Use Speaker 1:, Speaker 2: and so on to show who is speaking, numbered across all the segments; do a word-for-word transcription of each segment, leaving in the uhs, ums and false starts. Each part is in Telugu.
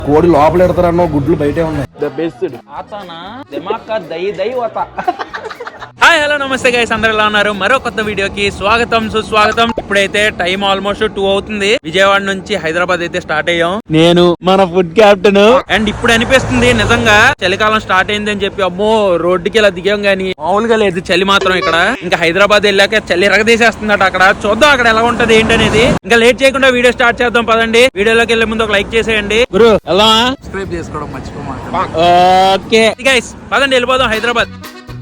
Speaker 1: కోడి లోపల ఎడతారన్నో గుడ్లు బయటే ఉన్నాయి.
Speaker 2: హాయ్ హలో నమస్తే గైస్, అందరు ఎలా ఉన్నారు? మరో కొత్త వీడియోకి స్వాగతం సుస్వాగతం. ఇప్పుడైతే టైం ఆల్మోస్ట్ టూ అవుతుంది. విజయవాడ నుంచి హైదరాబాద్ అయితే స్టార్ట్ అయ్యాం. నేను మన ఫుడ్ క్యాప్టెన్. అండ్ ఇప్పుడు అనిపిస్తుంది నిజంగా చలికాలం స్టార్ట్ అయింది అని చెప్పి. అమ్మో రోడ్డుకి ఇలా దిగాం గానీ మామూలుగా లేదు చలి మాత్రం ఇక్కడ. ఇంకా హైదరాబాద్ వెళ్ళాక చలి ఎరగదీసేస్తుందట అక్కడ. చూద్దాం అక్కడ ఎలా ఉంటది ఏంటనేది. ఇంకా లేట్ చేయకుండా వీడియో స్టార్ట్ చేద్దాం పదండి. వీడియోలోకి వెళ్లే ముందు ఒక లైక్ చేసేయండి. గురు వెళ్దామా?
Speaker 1: సబ్స్క్రైబ్ చేసుకోవడం మర్చిపోమా.
Speaker 2: ఓకే గైస్ పదండి వెళ్ళిపోదాం హైదరాబాద్.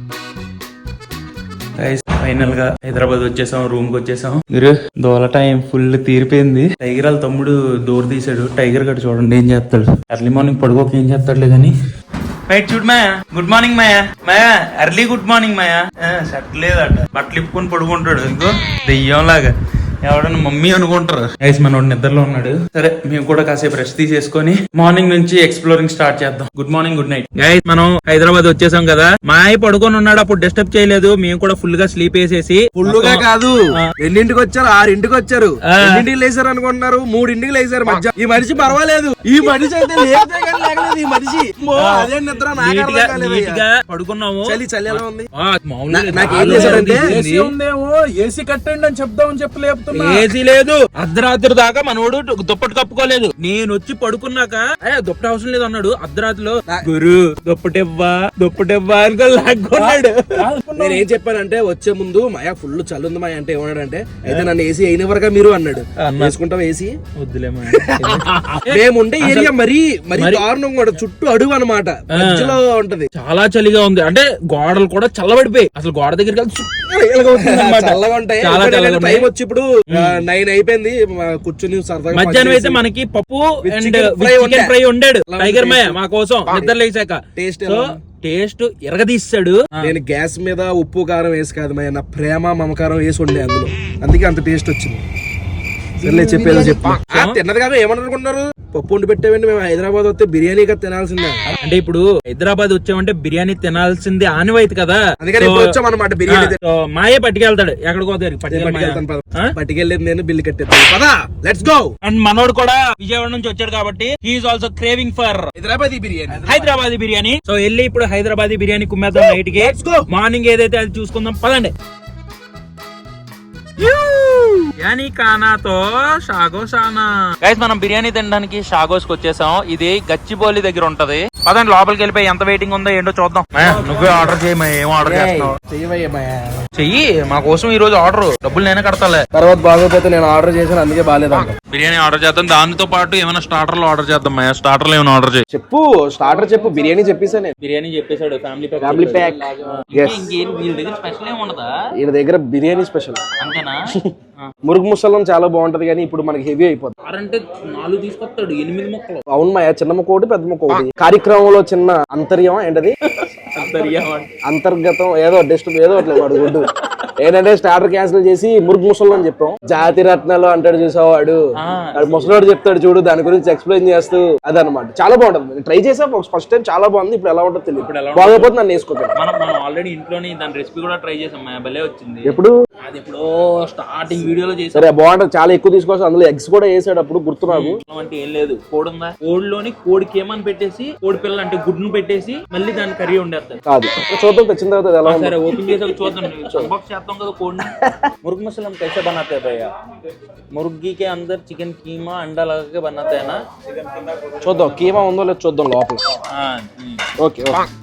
Speaker 2: ఫైనల్ గా హైదరాబాద్ వచ్చేసాం, రూమ్ కి వచ్చేసాం. మీరు దోల టైం ఫుల్ తీరిపోయింది. టైగర్ వాళ్ళ తమ్ముడు డోర్ తీసాడు. టైగర్ గడు చూడండి ఏం చేస్తాడు. ఎర్లీ మార్నింగ్ పడుకోక ఏం చేస్తాడులే కానీ. రైట్ చూడు Maya, good morning Maya. Maya early good morning Maya. Set లేదట, బట్టలు ఇప్పుకొని పడుకుంటాడు ఇంకో దెయ్యం లాగా. ఎవడన్నా మమ్మీ అనుకుంటారు. గైస్ మనోడు నిద్రలో ఉన్నాడు. సరే మేము కూడా కాసేపు రెస్ట్ తీసేసుకొని మార్నింగ్ నుంచి ఎక్స్ప్లోరింగ్ స్టార్ట్ చేద్దాం. Good morning, good night. Guys మనం హైదరాబాద్ వచ్చేసాం కదా. మాయ పడుకొని ఉన్నాడు, అప్పుడు డిస్టర్బ్ చేయలేదు. మేము కూడా ఫుల్ గా స్లీప్ వేసేసి.
Speaker 1: ఫుల్ గా కాదు, ఎన్నింటికి వచ్చారు? ఆరింటికి వచ్చారు. ఎన్నింటికి లేసారు అనుకుంటున్నారు? మూడింటికి లేసారు మధ్య. ఈ మనిషి పర్వాలేదు, ఈ మనిషి అయితే లేగలేదు. ఈ మనిషి అదే నిద్ర
Speaker 2: నీట్గా పడుకున్నాము.
Speaker 1: చలి చలి ఎలా ఉంది?
Speaker 2: నాకేం చేశాడంటే ఏసీ కట్టండి అని చెప్దామని చెప్పలేదు. ఏసీ లేదు, అర్ధరాత్రి దాకా మనోడు దుప్పటి కప్పుకోలేదు. నేను వచ్చి పడుకున్నాక దుప్పటి అవసరం లేదు అన్నాడు. అర్ధరాత్రిలో గురు దుప్పటివ్వా దుప్పటివ్వా అనుకో లాక్కున్నాడు.
Speaker 1: నేను ఏం చెప్పానంటే వచ్చే ముందు మాయా ఫుల్ చలి ఉంది మాయా అంటే ఏమన్నాడంటే అయితే నన్ను ఏసీ అయిన వరకు మీరు అన్నాడు. వేసుకుంటాం ఏసీ?
Speaker 2: వద్దులే.
Speaker 1: మేముండే ఏరియా మరీ మరీ దారుణం కూడా, చుట్టూ అడుగు అనమాట, మధ్యలో ఉంటది.
Speaker 2: చాలా చలిగా ఉంది. అంటే గోడలు కూడా చల్లబడిపోయి అసలు గోడ దగ్గరికి
Speaker 1: చల్లగా ఉంటాయి. టైం వచ్చి ఇప్పుడు నైన్ అయిపోయింది. కూర్చుని సరదాగా
Speaker 2: మధ్యాహ్నం అయితే మనకి పప్పు అండ్ చికెన్ ఫ్రై ఉండాడు టైగర్ మాయ మా కోసం నిద్ర లేచాక. టేస్ట్ టేస్ట్ ఎరగదీస్తాడు.
Speaker 1: నేను గ్యాస్ మీద ఉప్పు కారం వేసి కాదు మాయ, నా ప్రేమ మమకారం వేసి ఉండే అందులో, అందుకే అంత టేస్ట్ వచ్చింది. సర్లే చెప్పేదో చెప్పు. తిన్నది కాక ఏమనుకుంటున్నారు? పప్పు వండి పెట్టేవండి. మేము హైదరాబాద్ వస్తే బిర్యానీగా తినాల్సిందే.
Speaker 2: అంటే ఇప్పుడు హైదరాబాద్ వచ్చామంటే బిర్యానీ తినాల్సింది ఆనవాయితీ కదా.
Speaker 1: అందుకని వచ్చామన్నమాట. బిర్యానీ
Speaker 2: మాయే పట్టుకెళ్తాడు ఎక్కడికో
Speaker 1: పట్టుకెళ్ళేది నేను, బిల్లు కట్టేది. పదా లెట్స్ గో.
Speaker 2: అండ్ మనోడు కూడా విజయవాడ నుంచి వచ్చాడు కాబట్టి he's also craving for
Speaker 1: Hyderabadi biryani.
Speaker 2: Hyderabadi biryani. So వెళ్ళి ఇప్పుడు హైదరాబాదీ బిర్యానీ కుమ్మేద్దాం నైట్ కి. మార్నింగ్ ఏదైతే అది చూసుకుందాం పదండి. బిర్యానీ కానాతో షాగోషానా. గైస్ మనం బిర్యానీ తినడానికి షాగోస్ కి వచ్చేసాం. ఇది గచ్చిబౌలి దగ్గర ఉంటది. పదండి లోపలికి వెళ్ళిపోయి ఎంత వెయిటింగ్ ఉందో ఏంటో చూద్దాం. నువ్వే ఆర్డర్ చేయి. ఏం ఆర్డర్ చేస్తున్నావు? చెయ్యి మా కోసం ఈ రోజు ఆర్డర్. డబ్బులు నేనే కడతాలే.
Speaker 1: తర్వాత బాగోపోతే నేను ఆర్డర్ చేశాను, అందుకే బాగాలేదు.
Speaker 2: బిర్యానీ ఆర్డర్ చేద్దాం. దానితో పాటు ఏమైనా స్టార్టర్లు ఆర్డర్ చేద్దాం. స్టార్టర్లు ఏమైనా ఆర్డర్ చేయి.
Speaker 1: చెప్పు స్టార్టర్ చెప్పు. బిర్యానీ చెప్పేసా నేను.
Speaker 2: బిర్యానీ చెప్పేశాడు. Family pack.
Speaker 1: Family pack.
Speaker 2: Special ఏమి ఉండదా?
Speaker 1: ఈయన దగ్గర బిర్యానీ స్పెషల్
Speaker 2: అంతేనా?
Speaker 1: మురుగు ముసలం చాలా బాగుంటది కానీ ఇప్పుడు మనకి హెవీ అయిపోతుంది.
Speaker 2: అంటే నాలుగు తీసుకొస్తాడు, ఎనిమిది ముక్కలు.
Speaker 1: అవును మాయ, చిన్న ముక్క ఒకటి పెద్ద ముక్క ఒకటి. కార్యక్రమంలో చిన్న అంతర్యం ఏంటది? అంతర్గతం ఏదో డస్ట్ ఏదో అట్లా వాడు గుడ్డు ఏంటంటే స్టార్టర్ క్యాన్సిల్ చేసి మురుగు ముసలం అని చెప్పాం. జాతి రత్నాలు అంటాడు చూసావు వాడు. ముసలోడు చెప్తాడు చూడు, దాని గురించి ఎక్స్ప్లెయిన్ చేస్తూ అదనమాట. చాలా బాగుంటది. ట్రై చేసా ఫస్ట్ టైం, చాలా బాగుంది. ఇప్పుడు ఎలా ఉంటుందో తెలియదు. బాగోపోతే నన్ను వేసుకోవాలి.
Speaker 2: మనం ఆల్రెడీ ఇంట్లోనే దాని రెసిపీ కూడా ట్రై చేసాం. భలే వచ్చింది.
Speaker 1: ఎప్పుడు?
Speaker 2: అది ఎప్పుడో స్టార్టింగ్ వీడియోలో చేసాం.
Speaker 1: సరే బాగుంటది. చాలా ఎక్కువ తీసుకోవచ్చు. అందులో ఎగ్స్ కూడా వేసాడు అప్పుడు, గుర్తు నాకు.
Speaker 2: అంటే ఏం లేదు, కోడి ఉందా, కోడిలోని కోడికి ఏమని పెట్టేసి కోడి పిల్లలు అంటే గుడ్డును పెట్టేసి మళ్ళీ దాని కర్రీ ఉండేస్తారు.
Speaker 1: కాదు చూద్దాం, తెచ్చిన తర్వాత ఎలా.
Speaker 2: సరే ఓపెన్ చేసాక చూద్దాం. అన్బాక్స్ చేద్దాం కదా కోడిని. ముర్గ్ మసలం कैसे बनाते हैं भैया? मुर्गी के अंदर चिकन कीमा अंडा लगा के बनाते हैं ना?
Speaker 1: చూద్దాం కీమా ఉందో లేదు చూద్దాం లోపల. ఓకే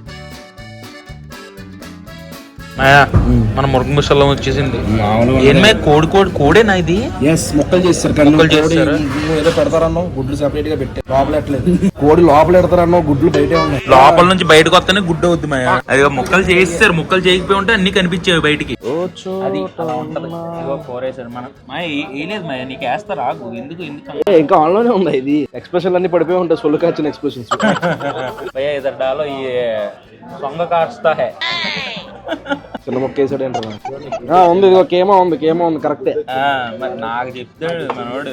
Speaker 2: మన మురుగు ముసలం వచ్చేసింది. ఏమై కోడి కోడి కోడేనా ఇది?
Speaker 1: ముక్కలు చేస్తారు. ఏదో పెడతారన్నావు, గుడ్లు సెపరేట్ గా పెట్టారు. లోపలెట్లేదు కోడి, లోపల పెడతారన్నావు, గుడ్లు బయటే ఉన్నాయి.
Speaker 2: లోపల నుంచి బయటకు వస్తేనే గుడ్డు అవుద్ది మాయా. అది ముక్కలు చేస్తారు. ముక్కలు చేయకపోయి ఉంటే అన్ని కనిపించేవి బయటికి. అది కోరేసారు మనం. మాయ ఏలేదు మాయ, నీకు వేస్తారా? ఎందుకు ఎందుకు
Speaker 1: ఇంకా ఆన్లోనే ఉంది ఇది. ఎక్స్ప్రెషన్ అన్ని పడిపోయి ఉంటాయి, సొల్లు కాచిన ఎక్స్ప్రెషన్స్.
Speaker 2: భయ్యా ఇదర్ డాలో ఈ సొంగ కాస్తా హై.
Speaker 1: చిన్న మొక్క వేసాడు ఏంటో ఉంది. ఇదిగో కేమా ఉంది, కేమా ఉంది. కరెక్టే.
Speaker 2: నాకు చెప్తాడు మనోడు.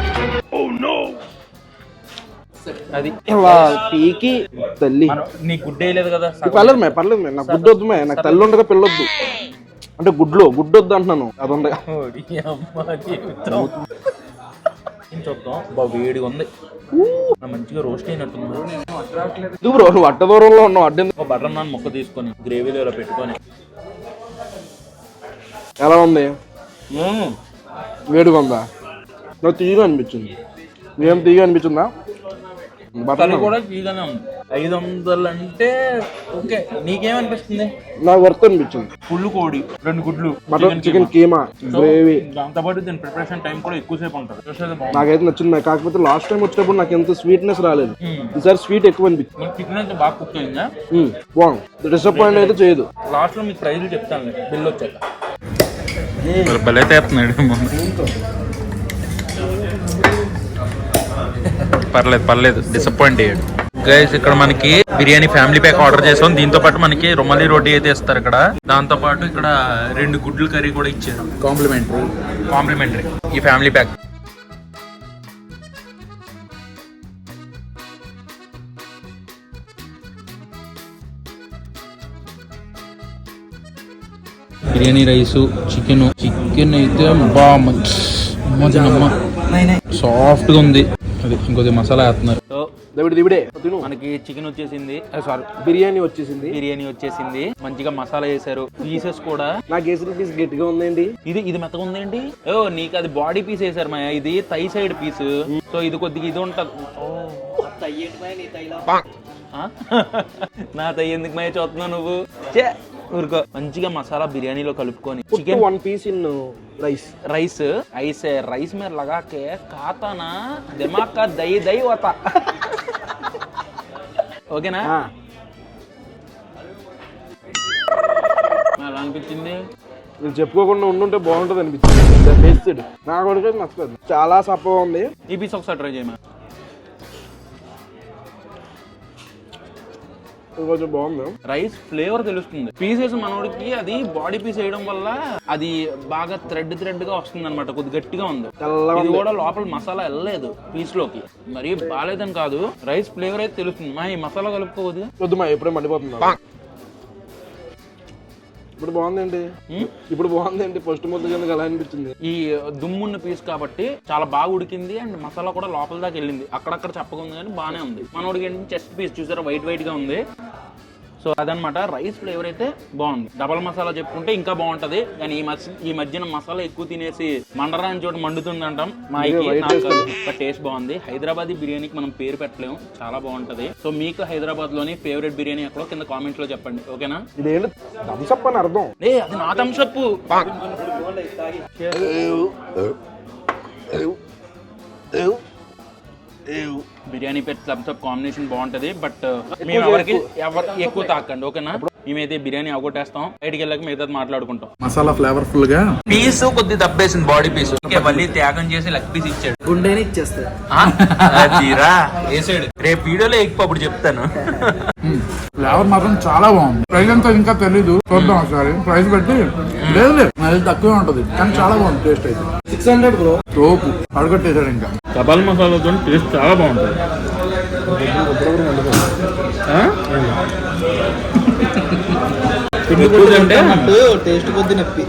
Speaker 2: అది
Speaker 1: పీకి తల్లి.
Speaker 2: నీ గుడ్డ వేయలేదు కదా?
Speaker 1: పర్లేదు మే, పర్లేదు మే. నాకు గుడ్డు వద్దు మే. నాకు తల్లి ఉండగా పిల్లొద్దు. అంటే గుడ్లు గుడ్డు వద్దు అంటున్నాను. అది ఉండగా
Speaker 2: చూద్దాం. బా వేడిగా ఉంది, మంచిగా రోస్ట్ అయినట్టుంది.
Speaker 1: ఇది బ్రో నువ్వు అడ్డ దూరంలో ఉన్నావు. అడ్డ
Speaker 2: ఒక బటర్ నాన్ ముక్క తీసుకొని గ్రేవీలో ఇలా పెట్టుకొని
Speaker 1: ఎలా ఉంది? వేడిగా ఉందా? నాకు తీయగా అనిపించింది. ఏం తీయగా అనిపించిందా?
Speaker 2: బటర్ కూడా తీగానే ఉంది. ఐదు వందలు అంటే ఓకే. నీకేమనిపిస్తుంది?
Speaker 1: నాకు వర్త్ అనిపించింది.
Speaker 2: ఫుల్ కోడి, రెండు గుడ్లు,
Speaker 1: మటన్ చికెన్ కీమా గ్రేవీ,
Speaker 2: దాంతో పాటు దీని ప్రిపరేషన్ టైం కూడా ఎక్కువసేపు ఉంటుంది.
Speaker 1: నాకైతే నచ్చింది. కాకపోతే లాస్ట్ టైం వచ్చినప్పుడు నాకు ఎంత స్వీట్నెస్ రాలేదు, ఈసారి స్వీట్ ఎక్కువ అనిపించింది.
Speaker 2: చికెన్ అయితే బాగా కుక్ అయిందా?
Speaker 1: బాగుంది. డిసప్పాయింట్ అయితే చేయదు.
Speaker 2: లాస్ట్ లో మీకు ప్రైజ్లు చెప్తాను బిల్ వచ్చాక. భలే తేస్తున్నాడు. పర్లేదు పర్లేదు, డిసప్పాయింట్ అయ్యాడు. గైస్ ఇక్కడ మనకి బిర్యానీ ఫ్యామిలీ ప్యాక్ ఆర్డర్ చేసాం. దీంతో పాటు మనకి రుమాలి రోటీ అయితే ఇస్తారు ఇక్కడ. దాంతో పాటు ఇక్కడ రెండు గుడ్లు కర్రీ కూడా ఇచ్చారు, కాంప్లిమెంటరీ కాంప్లిమెంటరీ ఈ family pack. Biryani rice, chicken chicken అయితే బాగా సాఫ్ట్ గా ఉంది. అది ఇంకొద్ది మసాలా వేస్తున్నారు. మనకి చికెన్ వచ్చేసింది, సారీ
Speaker 1: బిర్యానీ వచ్చేసింది.
Speaker 2: బిర్యానీ వచ్చేసింది. మంచిగా మసాలా వేసారు. పీసెస్ కూడా
Speaker 1: నాకు వేసిన పీస్ గట్టిగా ఉందండి.
Speaker 2: ఇది ఇది మెత్తగా ఉందండి. ఓ నీకు అది బాడీ పీస్ వేసారు మాయా, ఇది థై సైడ్ పీస్. సో ఇది కొద్దిగా ఇది ఉంటది. నా తయ్య ఎందుకు మాయ చూస్తున్నావు నువ్వు? చే ఊరుకో. మంచిగా మసాలా బిర్యానీలో కలుపుకొని
Speaker 1: chicken one piece in rice
Speaker 2: rice ఐసే రైస్ में लगा के खाता ना दिमाग का दही दही होता. ఓకేనా? అలా అనిపించింది.
Speaker 1: నేను చెప్పుకోకుండా ఉండుంటే బాగుంటుంది అనిపించింది. నా కొడుకు నచ్చలేదు, చాలా సప్పగా ఉంది.
Speaker 2: ఈ పీస్ ఒకసారి ట్రై చేయమా.
Speaker 1: కొంచెం బాగుంది.
Speaker 2: రైస్ ఫ్లేవర్ తెలుస్తుంది. పీసెస్ మనోడికి అది బాడీ పీస్ వేయడం వల్ల అది బాగా థ్రెడ్ థ్రెడ్ గా వస్తుంది అనమాట. కొద్ది గట్టిగా ఉంది. ఇది కూడా లోపల మసాలా వెళ్ళలేదు పీస్ లోకి. మరి బాగాలేదని కాదు, రైస్ ఫ్లేవర్ అయితే తెలుస్తుంది. మా ఈ మసాలా కలుపుకోవద్దు.
Speaker 1: వద్దు మా ఎప్పుడే మండిపోతుంది. ఇప్పుడు బాగుందండి. ఇప్పుడు బాగుందండి. ఫస్ట్ ముద్ద కింద అలా అనిపించింది.
Speaker 2: ఈ దుమ్మున్న పీస్ కాబట్టి చాలా బాగా ఉడికింది. అండ్ మసాలా కూడా లోపల దాకా వెళ్ళింది. అక్కడక్కడ చప్పగా ఉంది కానీ బాగానే ఉంది. మనోడికి ఏంటి చెస్ట్ పీస్ చూసారా, వైట్ వైట్ గా ఉంది. సో అదనమాట. రైస్ ఫ్లేవర్ అయితే బాగుంది. డబల్ మసాలా చెప్పుకుంటే ఇంకా బాగుంటది. కానీ ఈ మధ్య ఈ మధ్యన మసాలా ఎక్కువ తినేసి మండరాని చోటు మండుతుంది అంటాం. మా టేస్ట్ బాగుంది. హైదరాబాదీ బిర్యానీకి మనం పేరు పెట్టలేము, చాలా బాగుంటది. సో మీకు హైదరాబాద్ లోని ఫేవరెట్ బిర్యానీ ఎక్కడో కింద కామెంట్స్ లో చెప్పండి. ఓకేనా?
Speaker 1: ఇదేంటి థమ్సప్ అని అర్థం?
Speaker 2: ఏ అది నా థమ్సప్. బిర్యానీ పెట్టి థమ్సప్ కాంబినేషన్ బాగుంటది. బట్ మేము ఎవరికి ఎవరు ఎక్కువ తాకండి. ఓకేనా? మేమైతే బిర్యానీ అవగొట్టేస్తాం. బయటికి వెళ్ళాక మిగతా మాట్లాడుకుంటాం.
Speaker 1: మసాలా ఫ్లేవర్ఫుల్ గా
Speaker 2: పీస్ కొద్ది దబ్బేసింది, బాడీ పీస్. మళ్ళీ త్యాగం చేసి లెగ్ పీస్ ఇచ్చాడు.
Speaker 3: గుండెని ఇచ్చేస్తాడు.
Speaker 2: వేసాడు. రేపు వీడియోలో ఎక్కువ అప్పుడు చెప్తాను.
Speaker 3: ఫ్లేవర్ మాత్రం చాలా బాగుంది. ప్రైస్ అంతా ఇంకా తెలీదు, చూద్దాం ఒకసారి. ప్రైస్ పెట్టి లేదు లేదు అది తక్కువే ఉంటది కానీ చాలా బాగుంది. టేస్ట్ అయితే సిక్స్ హండ్రెడ్ బ్రో. తోపు అడగట్టేశాడు. ఇంకా
Speaker 2: కబాల్ మసాలాతో టేస్ట్ చాలా బాగుంటుంది.
Speaker 3: టేస్ట్ కొద్ది నొప్పి.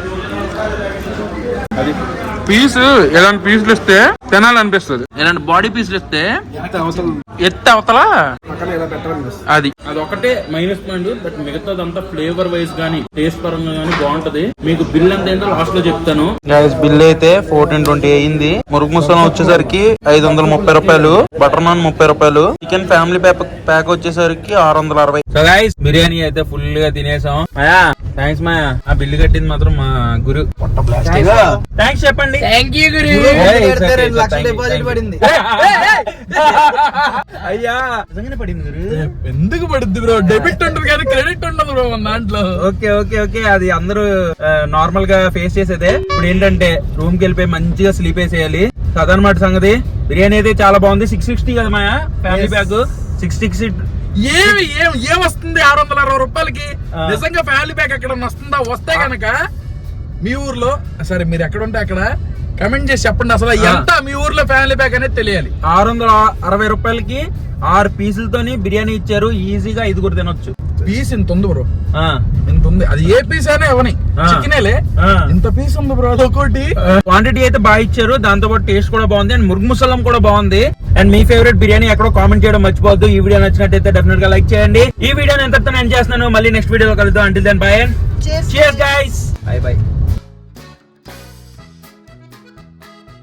Speaker 2: అది పీస్ ఎలాంటి పీసులు ఇస్తే తినాలనిపిస్తుంది. ఇలాంటి బాడీ పీసులు ఇస్తే ఎత్త అవతల అది అది ఒకటే మైనస్ పాయింట్. బట్ మిగతాదంతా ఫ్లేవర్ వైజ్ గానీ టేస్ట్ పరంగా గానీ బాగుంటది. మీకు బిల్ ఎంత ఏంటో లాస్ట్ లో చెప్తాను. బిల్ అయితే ఫోర్టీన్ ట్వంటీ అయింది. మురుగు ముసలం వచ్చేసరికి ఐదు వందల ముప్పై రూపాయలు. బటర్ నాన్ ముప్పై రూపాయలు. చికెన్ ఫ్యామిలీ ప్యాక్ ప్యాక్ వచ్చేసరికి ఆరు వందల అరవై. సో గైస్ బిర్యానీ అయితే ఫుల్ గా తినేసాం. మాయా థ్యాంక్స్ మాయా. ఆ బిల్లు కట్టింది మాత్రం మా గురు. థ్యాంక్స్ చెప్పండి.
Speaker 3: థ్యాంక్ యూ గురు. డిపాజిట్ పడింది.
Speaker 2: అయ్యా నిజంగానే పడింది గురు.
Speaker 3: ఎందుకు పడుద్ది బ్రో? డెబిట్ ఉంటుంది కానీ క్రెడిట్ ఉండదు బ్రో మన దాంట్లో.
Speaker 2: ఓకే ఓకే ఓకే అది అందరూ నార్మల్ గా ఫేస్ చేసేదే. ఇప్పుడు ఏంటంటే రూమ్ కి వెళ్ళిపోయి మంచిగా స్లీప్ వేసేయాలి. అదనమాట సంగతి. బిర్యానీ అయితే చాలా బాగుంది. సిక్స్ సిక్స్టీ కదా Maya family pack. Six sixty
Speaker 3: ఏమి ఏం ఏం వస్తుంది ఆరు వందల అరవై రూపాయలకి? నిజంగా ఫ్యామిలీ ప్యాక్ ఎక్కడ వస్తుందా? వస్తే కనుక మీ ఊర్లో సరే మీరు ఎక్కడ ఉంటే అక్కడ కమెంట్ చేసి చెప్పండి. అసలు ఎంత మీ ఊర్లో ఫ్యామిలీ ప్యాక్ అనేది తెలియాలి.
Speaker 2: ఆరు వందల అరవై రూపాయలకి ఆరు పీసులతోని బిర్యానీ ఇచ్చారు. ఈజీగా ఐదుగురు తినొచ్చు.
Speaker 3: పీస్ ఇంత ఉంది బ్రో. ఇంత ఉంది. అది ఏ పీస్ అయినా ఇవ్వని చికెనేలే, ఇంత పీస్ ఉంది బ్రో ఒకటి.
Speaker 2: క్వాంటిటీ అయితే బాగా ఇచ్చారు, దాంతో పాటు టేస్ట్ కూడా బాగుంది అండ్ మురుగు ముసలం కూడా బాగుంది. అండ్ మీ ఫేవరెట్ బిర్యానీ ఎక్కడో కామెంట్ చేయడం మర్చిపోవద్దు. ఈ వీడియో నచ్చినట్టయితే డెఫినెట్ గా లైక్ చేయండి. ఈ వీడియోని ఎంతతో ఎండ్ చేస్తున్నాను, మళ్ళీ నెక్స్ట్ వీడియోలో కలుద్దాం. Until then bye and cheers guys, bye bye.